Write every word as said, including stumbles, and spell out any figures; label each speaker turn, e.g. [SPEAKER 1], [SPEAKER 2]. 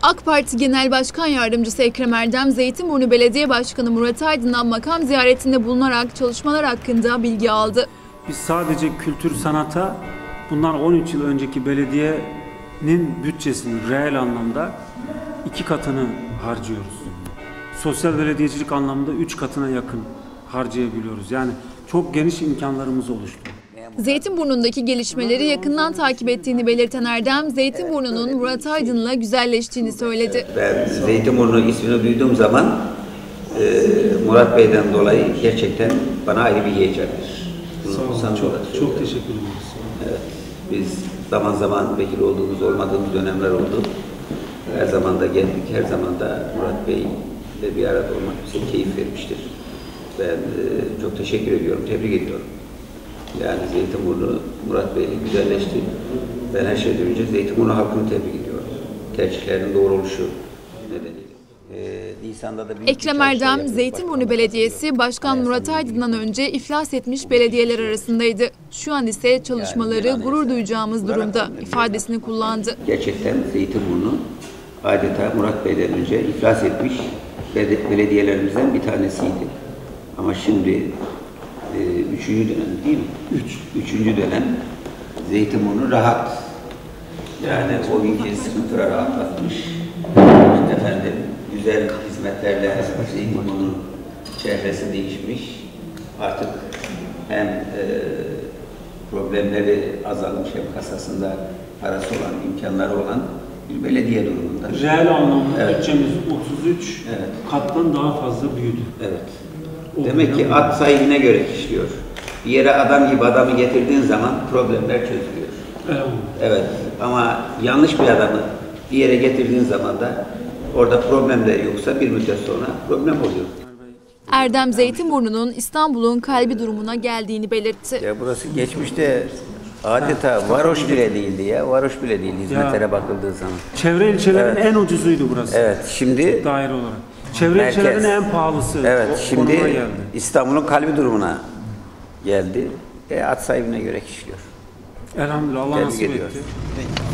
[SPEAKER 1] AK Parti Genel Başkan Yardımcısı Ekrem Erdem, Zeytinburnu Belediye Başkanı Murat Aydın'dan makam ziyaretinde bulunarak çalışmalar hakkında bilgi aldı.
[SPEAKER 2] Biz sadece kültür sanata bundan on üç yıl önceki belediyenin bütçesinin reel anlamda iki katını harcıyoruz. Sosyal belediyecilik anlamda üç katına yakın harcayabiliyoruz. Yani çok geniş imkanlarımız oluştu.
[SPEAKER 1] Zeytinburnu'ndaki gelişmeleri yakından takip ettiğini belirten Erdem, Zeytinburnu'nun Murat Aydın'la güzelleştiğini söyledi.
[SPEAKER 3] Ben Zeytinburnu ismini duyduğum zaman e, Murat Bey'den dolayı gerçekten bana ayrı bir heyecandır.
[SPEAKER 2] Sağ olun, çok, çok teşekkür ederiz.
[SPEAKER 3] Evet, biz zaman zaman vekil olduğumuz, olmadığımız dönemler oldu. Her zaman da geldik, her zaman da Murat Bey ile bir arada olmak bize keyif vermiştir. Ben e, çok teşekkür ediyorum, tebrik ediyorum. Yani Zeytinburnu Murat Bey'le güzelleşti. Ben her şeyden önce Zeytinburnu halkını tebrik ediyorum. Tercihlerinin doğru oluşu nedeniyle. Ee, Nisan'da da
[SPEAKER 1] Ekrem Erdem, Zeytinburnu Belediyesi Başkan Murat Aydın'dan önce iflas etmiş belediyeler arasındaydı. Şu an ise çalışmaları gurur duyacağımız durumda ifadesini kullandı.
[SPEAKER 3] Gerçekten Zeytinburnu adeta Murat Bey'den önce iflas etmiş belediyelerimizden bir tanesiydi. Ama şimdi e, üçüncü dönem değil mi? Üç. Üçüncü dönem Zeytinburnu rahat. Yani o günkü sıkıntıları atlatmış. İşte efendim güzel hizmetlerle Zeytinburnu'nun çehresi değişmiş. Artık hem e, problemleri azalmış hem kasasında parası olan, imkanları olan bir belediye durumunda.
[SPEAKER 2] Reel anlamda
[SPEAKER 3] evet.
[SPEAKER 2] bütçemiz otuz üç evet. kattan daha fazla büyüdü.
[SPEAKER 3] Evet. O Demek ki at sahibine göre işliyor. Bir yere adam gibi adamı getirdiğin zaman problemler çözülüyor.
[SPEAKER 2] Evet.
[SPEAKER 3] Evet. Ama yanlış bir adamı bir yere getirdiğin zaman da orada problemler yoksa bir müddet sonra problem oluyor.
[SPEAKER 1] Erdem, Zeytinburnu'nun İstanbul'un kalbi durumuna geldiğini belirtti.
[SPEAKER 3] Ya burası geçmişte adeta varoş bile değildi ya. Varoş bile değil hizmetlere ya, bakıldığı zaman.
[SPEAKER 2] Çevre ilçelerin evet. en ucuzuydu burası.
[SPEAKER 3] Evet. Şimdi
[SPEAKER 2] daire olarak. Çevre
[SPEAKER 3] merkez,
[SPEAKER 2] ilçelerin en pahalısı.
[SPEAKER 3] Evet. O, şimdi İstanbul'un kalbi durumuna geldi. E, at sahibine göre işliyor.
[SPEAKER 2] Elhamdülillah. Allah nasip etti.